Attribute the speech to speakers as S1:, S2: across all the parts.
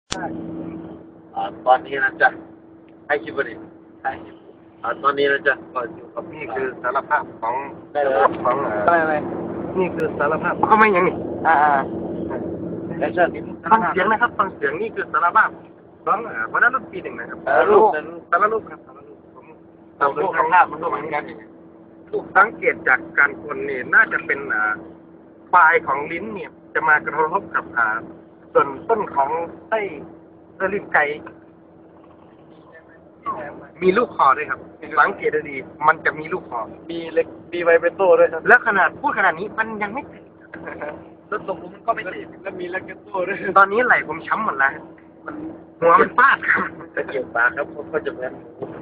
S1: ตอนนี้นะจ๊ะให้คิดว่าดิให้คิดตอนนี้นะจ๊ะก็อยู่กับ
S2: นี่คือสารภาพของ
S1: ได้เลย
S2: ของ
S1: อะไร
S2: นี่คือสารภาพเขาไม่ยังนี่
S1: แอคชั่น
S2: ฟังเสียงนะครับฟังเสียงนี่คือสารภาพของวันนั้นรุ่นปีหนึ่งนะครับ
S1: ลูกนั้น
S2: สารรูปครับสารรูปผม
S1: ตามลูกภาพมันก็เหมือนกัน
S2: ลูกสังเกตจากการคนนี่น่าจะเป็นปลายของลิ้นเนี่ยจะมากระทบกับส่วนต้นของไส้ลิ้นไก่มีลูกคอด้วยครับสังเกตดีๆมันจะมีลูกคอ
S1: มีเล็กมีไวเบรโต้ด้วยครับ
S2: แล้วขนาดพูดขนาดนี้มันยังไม่ติด
S1: แล้วตรงนู้นมันก็ไม่ติดแล้วมีเล็กโต้ด้วย
S2: ตอนนี้ไหล่ผมช้ำหมดแล้วมันหัวมันฟาดครับ
S1: ตะเกียบปากครับเขาจะเหมือน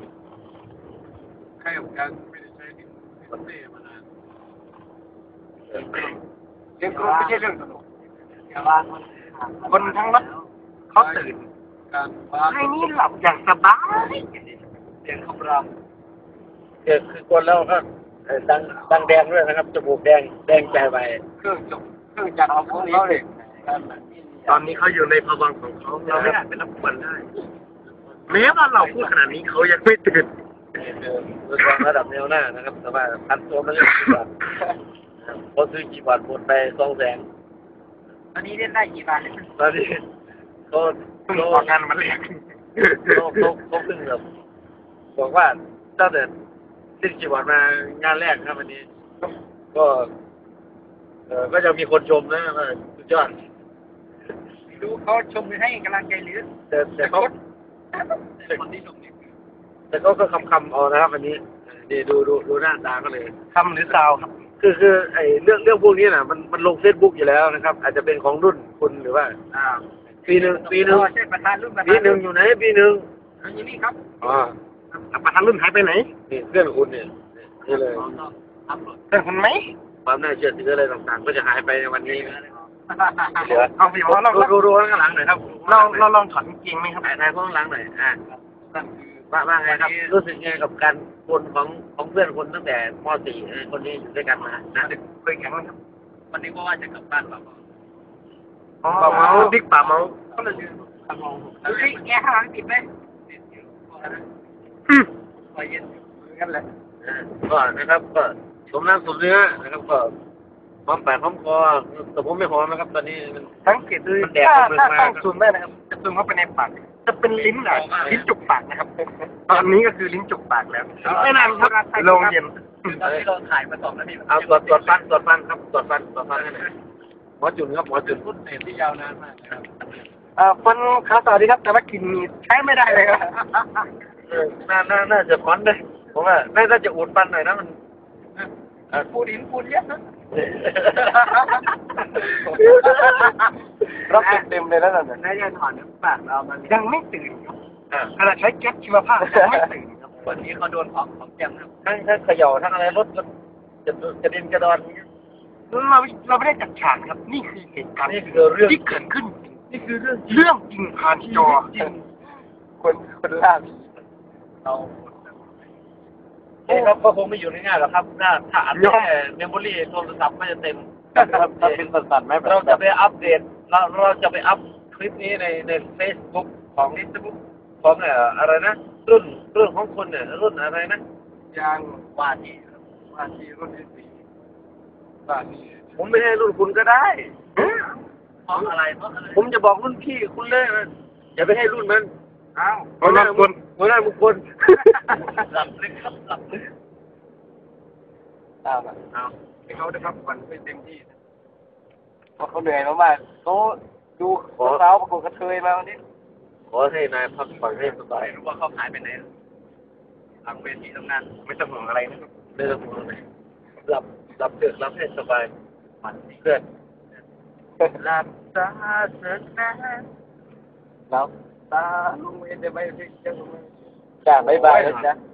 S3: ใครของการไม่ได้ใช้ดินเต้มานาน
S2: เรื่องไม่ใช่เรื่องตลก
S3: อย่าบ้าน
S2: คนทั้งรถเขาตื่น
S3: การบ้าน
S2: ให้นี่หลับอย่างสบาย
S3: เสียงคำราม
S1: คือกวนแล้วก็ดังแดงด้วยนะครับจมูกแดงใจไป
S3: เครื่องจักรของพวกนี้เลย
S2: ตอนนี้เขาอยู่ในภวังค์ของเขาเราไม่อาจเป็นรับกวนได้แม้ว่าเราพูดขนาดนี้เขายังไม่ตื่น
S1: คือระดับแนวหน้านะครับแต่ว่าพันตัวมันเล่นกี่บาทพอซื้อกี่บาทหมดไป200,000
S3: ตอนนี้เล่นได้กี่บาท
S1: ตอนนี้เขา
S2: เพิ่งออกงานมาเรียก
S1: เขาเพิ่งแบบบอกว่าตั้งแต่สิ้นกี่วันมางานแรกครับวันนี้ ก็ก็จะมีคนชมนะว่าสุดยอด
S3: ดูเขาชมให้กำลังใจหรือ
S1: แต่เขา
S3: คนที่ชมนี่
S1: แต่ก็คำเอานะครับวันนี้นี่ดูหน้าตาก็เลย
S2: คำหรือซาวครับ
S1: คือไอ้เรื่องพวกนี้น่ะมันลงเฟซบุ๊กอยู่แล้วนะครับ อาจจะเป็นของรุ่นคุณหรือว่าปีหนึ่ง
S3: ใช่ประธานรุ่นประธาน
S1: ปีหนึ่งอยู่ไหนปีหนึ่ง
S3: อันนี้ครับ
S1: อ๋อ
S2: ประธานรุ่นหายไปไหน
S1: นี่เพื่อนคุณเนี่ยนี่เลย
S2: เพื่อนคุณไหม
S1: ความน่าเชื่อถืออะไรต่างๆ ก็จะหายไปในวันนี้เหลือ
S2: เอาสิว่าเรา
S1: ดูข้างหลังหน่อยครับ
S2: เราลองถอดกางเกงไหมครับ
S1: ถ่ายข้างหลังหน่อยว่าไงครับรู้สึกไงกับการคนของเพื่อนคนตั้งแต่ม .4 คนนี้อยู่ด้วยกันมานะ
S2: เคยแข่งไหมครับ
S3: วันนี้ก็ว่าจะกลับบ้านแบบ
S2: ป่าเมาบิ๊กป่าเมา
S3: ก็เลยทำลองเฮ้ยแกข้างหลังติดไหมติดอยู่พอเย็นกันแหละ
S1: ก็นะครับก็สมน้ำสมเนื้อนะครับก็หอมปากหอมคอแต่ผมไม่หอมนะครับตอนนี้มัน
S2: สังเกตดูถ้าต้องซูมได้นะครับจะซูมเข้าไปในปากจะเป็นลิ้นลิ้นจุกปากนะครับตอนนี้ก็คือลิ้นจุกปากแล้วไม่นานครับโรงเย็น
S3: ตอนที่เราถ่ายมา2 นาที
S1: เอาตรวจฟันครับตรวจฟันให้หน่อยหมอจุนครับหมอจุน
S3: รุ่นเน็ตที่ยาวนานมากนะครับ
S2: ฟันขาต่อดีครับแต่ว่ากินมีใช้ไม่ได้เลยครับ
S1: น่าจะฟันเลยผมว่าน่าจะอุดฟันหน่อยนะมัน
S3: พูดหินพูดเยอะนะ
S2: รับเต็มเลยแล้วนั่น
S3: น่าจะถอนน้ำปากเรามัน
S2: ยังไม่ตื่นครับขณะใช้แก๊สชีวภาพยังไม่ตื่นครับ
S3: วันนี้เขาโดนของแกมครับ
S1: ทั้งเขย่าทั้งอะไรรถก็จะดินกระดอน
S2: เราไม่ได้จัดฉากครับ นี่คือเหตุการณ์
S1: นี่คือเรื่อง
S2: ที่เกิดขึ้น
S1: นี่คือเรื่อง
S2: เรื่องจริงผ่านจอ
S1: จริง
S2: คนล่าผี
S3: เรา
S1: ครับก็คงไม่อยู่ง่ายๆหรอกครับถ้าอัดแค่เมมโมรี่โทรศัพท์ก็จะเต็มครับเป็นสั่นๆไหมเราจะไปอัปเดตเราจะไปอัพคลิปนี้ใน Facebook ของอะไรนะรุ่นของคุณเนี่ยรุ่นอะไรนะ
S3: ยางว่าที่รุ่นที่4ว่าที่
S1: ผมไม่ให้รุ่นคุณก็ได้
S3: เพราะอะไร
S1: ผมจะบอกรุ่นพี่คุณเลยอย่าไปให้รุ่นมัน
S3: อ้าว
S1: หัวหน้าบุคคล
S3: หลับลึกครับหลับลึก
S2: เอา
S3: เขาได้พักผ่อนไม่เต็มที่
S2: เพราะเขาเหนื่อยมากๆเขาดูสาวประกวดกระเทยมาวันนี้
S1: ขอให้นายพักผ่อนให้สบาย
S3: ไม่รู้ว่าเขาหายไปไหนหลังเวทีตรงนั้น
S2: ไม่ต้องห่วงอะไรนะครับ
S1: ไม่ต้องห่วงเลยหลับเถอะหลับให้สบายเพื่อนหลับตาเถิดนะ
S2: แล้ว
S3: ตาลุงเวนจะไปพิจารณา
S2: จ้าบ๊ายบายนะจ๊ะ